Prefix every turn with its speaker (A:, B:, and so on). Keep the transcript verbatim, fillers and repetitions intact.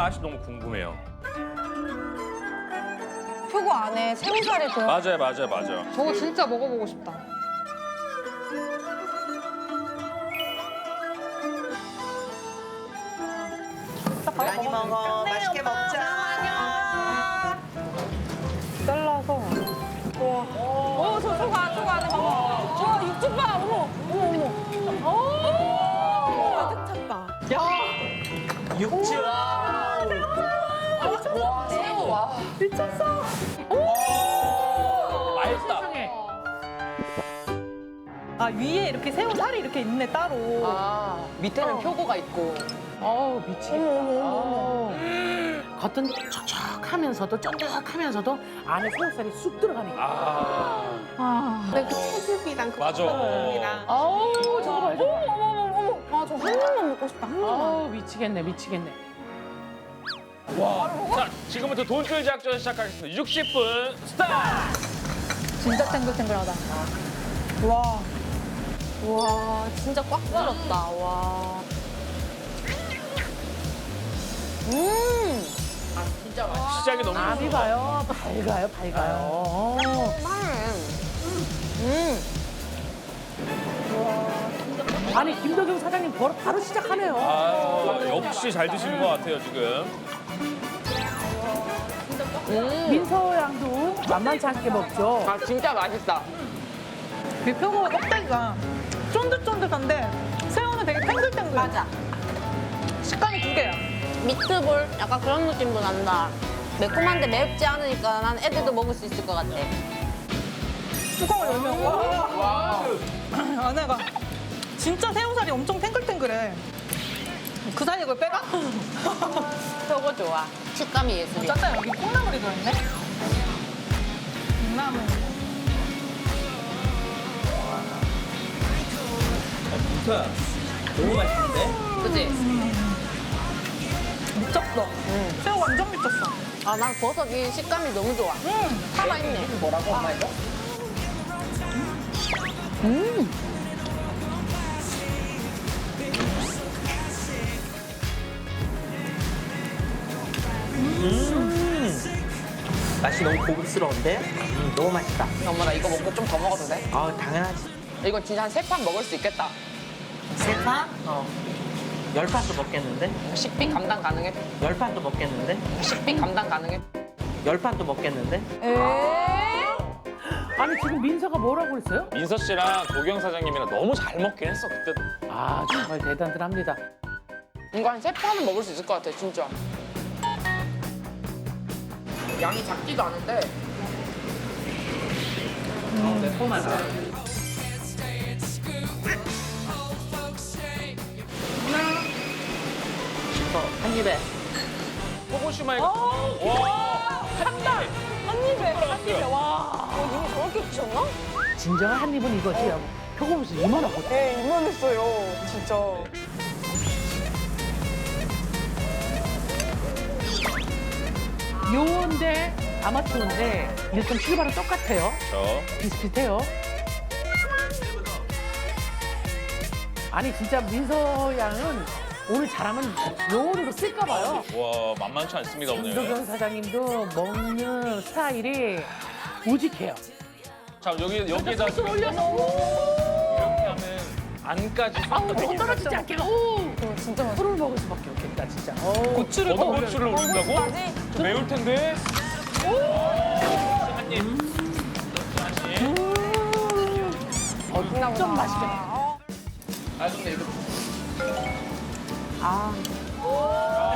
A: 맛이 너무 궁금해요.
B: 표고 안에 새우살이 들어.
A: 맞아요, 맞아요, 맞아요.
C: 저거 진짜 먹어보고 싶다.
D: 많이 먹어. 맛있게 먹자.
B: 잘라서. 와. 어, 저 소가, 소가 안에 봐봐. 와, 육즙 봐. 어머, 어머, 어머. 오! 가득 찼다.
D: 육즙.
B: 와, 새우. 와. 미쳤어.
A: 맛있다.
E: 아 위에 이렇게 새우 살이 이렇게 있네 따로.
F: 아, 밑에는 표고가 있고.
G: 어우 미치겠다. 아우. 겉은 촉촉하면서도 쫀득하면서도 안에 새우살이 쑥 들어가니까.
A: 아,
B: 근데 그 채즙이랑 그
A: 맞아.
B: 콩이랑.
G: 아우 저거 봐. 저거.
B: 어머, 어머, 어머. 아, 저 한 입만 먹고 싶다. 한 입만.
G: 아우 미치겠네 미치겠네.
A: 와. 자, 지금부터 돈줄 작전 시작하겠습니다. 육십 분 스타트!
B: 진짜 탱글탱글하다. 와. 와, 진짜 꽉 들었다. 와. 음.
A: 시작이 너무
G: 암이 봐요. 밝아요 밝아요. 어.
B: 음.
G: 아니 김덕영 사장님 바로, 바로 시작하네요.
A: 아, 역시 잘 드시는 것 같아요, 지금.
G: 민서 양도 만만치 않게 먹죠.
F: 아, 진짜 맛있다.
E: 그 표고 껍데기가 쫀득쫀득한데 새우는 되게 탱글탱글.
B: 맞아.
E: 식감이 두 개야.
B: 미트볼? 약간 그런 느낌도 난다. 매콤한데 맵지 않으니까 난 애들도 먹을 수 있을 것 같아.
E: 뚜껑을 열면 와. 안에가 진짜 새우살이 엄청 탱글탱글해. 그 사이에 그걸 빼가?
B: 표고 좋아. 식감이 예술이야.
E: 짜짜 여기 콩나물이 들어있네. 콩나물.
D: 민서야, 너무 맛있는데?
B: 그치?
E: 미쳤어. 새우 완전 미쳤어.
B: 아, 난 버섯이 식감이 너무 좋아.
E: 음.
B: 살아있네.
D: 뭐라고 엄마 이거? 음. 맛이 너무 고급스러운데? 음, 너무 맛있다.
F: 엄마, 나 이거 먹고 좀 더 먹어도 돼?
D: 아, 당연하지.
F: 이거 진짜 한 세 판 먹을 수 있겠다.
D: 세 판? 어. 열 판도 먹겠는데?
F: 식비 감당 가능해?
D: 열 판도 먹겠는데?
F: 식비 감당 가능해?
D: 열 판도 먹겠는데?
B: 에이?
G: 아니 지금 민서가 뭐라고 그랬어요?
A: 민서 씨랑 도경 사장님이랑 너무 잘 먹긴 했어, 그때.
G: 아 정말 대단들합니다.
F: 이거 한 세 판은 먹을 수 있을 것 같아, 진짜. 양이 작지도 않은데.
D: 어, 매콤하다. 이거 한 입에.
A: 호고시마에. 와! 한 달!
B: 한 입에, 한 입에.
A: 들어갔어요.
B: 와. 어, 이미 저렇게 드셨나?
G: 진정한 한 입은 이거지. 표고무스 이만하거든.
B: 네, 이만했어요. 진짜.
G: 요인데 아마추어인데 일단 출발은 똑같아요.
A: 저.
G: 비슷비슷해요. 아니 진짜 민서 양은 오늘 잘하면 요원으로 쓸까 봐요.
A: 와, 만만치 않습니다, 오늘.
G: 김도경 사장님도 먹는 스타일이 우직해요.
A: 자, 여기, 여기에다 지금 이렇게 하면 안까지
G: 아우
A: 쏙
G: 못 떨어지지 않게. 오,
B: 진짜 맛있어.
G: 술을 먹을 수밖에 없겠다 진짜. 어.
E: 고추를
A: 어떤
E: 더
A: 고추를 올린다고?
B: 고추까지?
A: 좀 매울 텐데. 한 입. 하나씩.
G: 어, 좀 맛있겠다.
F: 아, 근데 이거
G: 아.